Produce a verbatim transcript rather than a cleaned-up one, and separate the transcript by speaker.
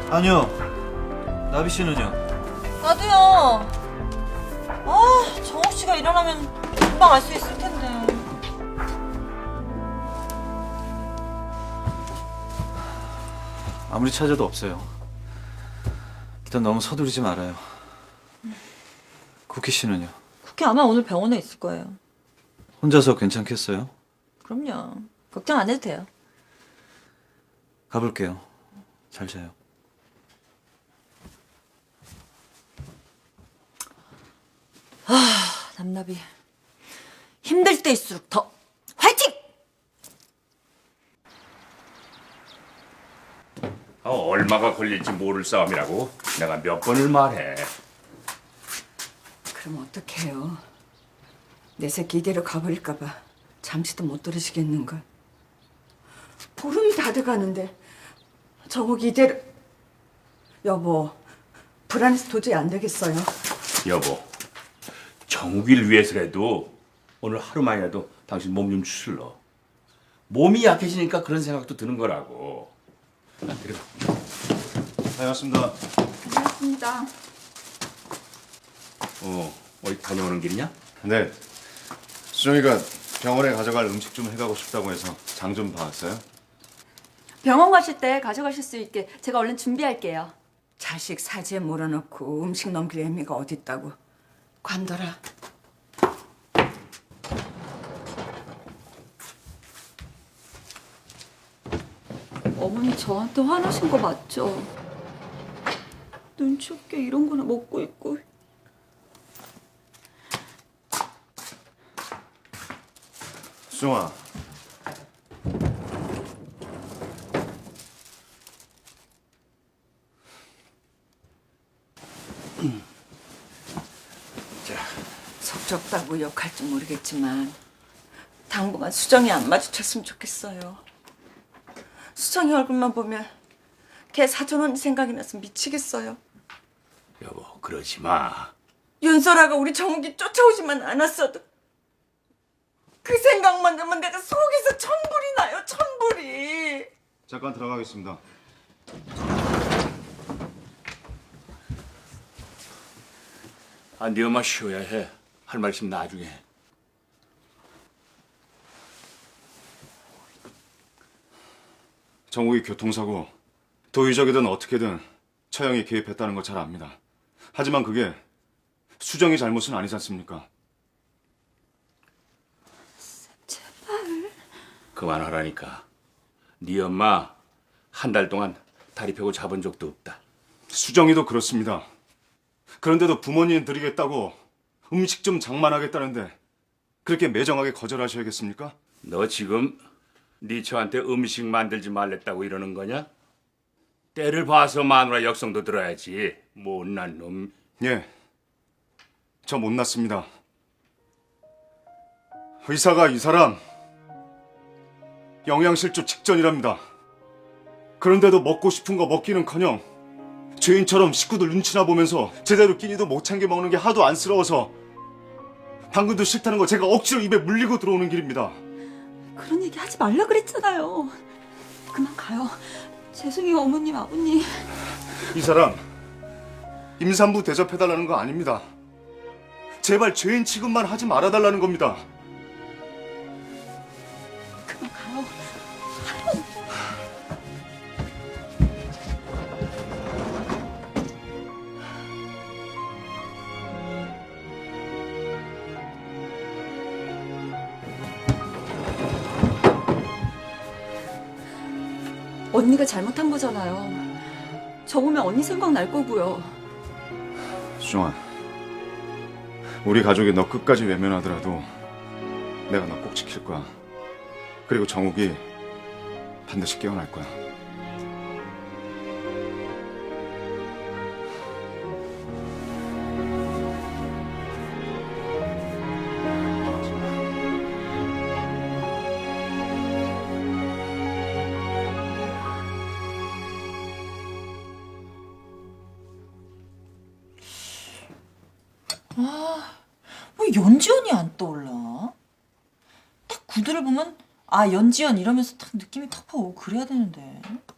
Speaker 1: 아니요. 나비 씨는요?
Speaker 2: 나도요. 아, 정욱 씨가 일어나면 금방 알 수 있을 텐데.
Speaker 1: 아무리 찾아도 없어요. 일단 너무 서두르지 말아요. 쿠키 씨는요?
Speaker 2: 쿠키 아마 오늘 병원에 있을 거예요.
Speaker 1: 혼자서 괜찮겠어요?
Speaker 2: 그럼요. 걱정 안 해도 돼요.
Speaker 1: 가볼게요. 잘 자요.
Speaker 2: 아, 남나비. 힘들 때일수록 더 화이팅!
Speaker 3: 어, 얼마가 걸릴지 모를 싸움이라고 내가 몇 번을 말해.
Speaker 4: 그럼 어떡해요? 내 새끼 이대로 가버릴까 봐 잠시도 못 들으시겠는걸. 보름이 다 돼가는데 정욱이 이대로... 여보, 불안해서 도저히 안 되겠어요.
Speaker 3: 여보, 정욱이를 위해서라도 오늘 하루만이라도 당신 몸 좀 추슬러. 몸이 약해지니까 그런 생각도 드는 거라고. 아, 그래.
Speaker 1: 다녀왔습니다.
Speaker 4: 고맙습니다.
Speaker 3: 어, 어디 다녀오는 길이냐?
Speaker 5: 네. 수정이가 병원에 가져갈 음식 좀 해가고 싶다고 해서 장 좀 봐왔어요.
Speaker 6: 병원 가실 때 가져가실 수 있게 제가 얼른 준비할게요.
Speaker 4: 자식 사지에 몰아넣고 음식 넘길 애미가 어딨다고. 관둬라.
Speaker 6: 어머니 저한테 화나신 거 맞죠? 눈치 없게 이런 거나 먹고 있고.
Speaker 5: 수정아.
Speaker 4: 속 좁다고 욕할 줄 모르겠지만 당분간 수정이 안 마주쳤으면 좋겠어요. 수정이 얼굴만 보면 걔 사돈 언니 생각이 나서 미치겠어요.
Speaker 3: 여보, 그러지 마.
Speaker 4: 윤설아가 우리 정욱이 쫓아오지만 않았어도 그 생각만 하면 내가 속에서 천불이 나요, 천불이.
Speaker 5: 잠깐 들어가겠습니다.
Speaker 3: 아, 네 엄마 쉬어야 해. 할 말 있으면 나중에 해.
Speaker 5: 정욱이 교통사고 도의적이든 어떻게든 처형이 개입했다는 거 잘 압니다. 하지만 그게 수정이 잘못은 아니지 않습니까?
Speaker 3: 그만하라니까. 네 엄마 한 달 동안 다리 펴고 잡은 적도 없다.
Speaker 5: 수정이도 그렇습니다. 그런데도 부모님 드리겠다고 음식 좀 장만하겠다는데 그렇게 매정하게 거절하셔야겠습니까?
Speaker 3: 너 지금 네 저한테 음식 만들지 말랬다고 이러는 거냐? 때를 봐서 마누라 역성도 들어야지. 못난 놈.
Speaker 5: 예, 저 못났습니다. 의사가 이 사람 영양실조 직전이랍니다. 그런데도 먹고 싶은 거 먹기는커녕 죄인처럼 식구들 눈치나 보면서 제대로 끼니도 못 챙겨 먹는 게 하도 안쓰러워서 당근도 싫다는 거 제가 억지로 입에 물리고 들어오는 길입니다.
Speaker 6: 그런 얘기 하지 말라 그랬잖아요. 그만 가요. 죄송해요 어머님 아버님.
Speaker 5: 이 사람 임산부 대접해달라는 거 아닙니다. 제발 죄인 취급만 하지 말아달라는 겁니다.
Speaker 6: 그만 가요. 언니가 잘못한 거잖아요. 저 보면 언니 생각 날 거고요.
Speaker 5: 수정아, 우리 가족이 너 끝까지 외면하더라도 내가 너 꼭 지킬 거야. 그리고 정욱이 반드시 깨어날 거야.
Speaker 2: 왜 연지연이 안 떠올라? 딱 구두를 보면 아 연지연 이러면서 딱 느낌이 팍팍 오고 그래야 되는데.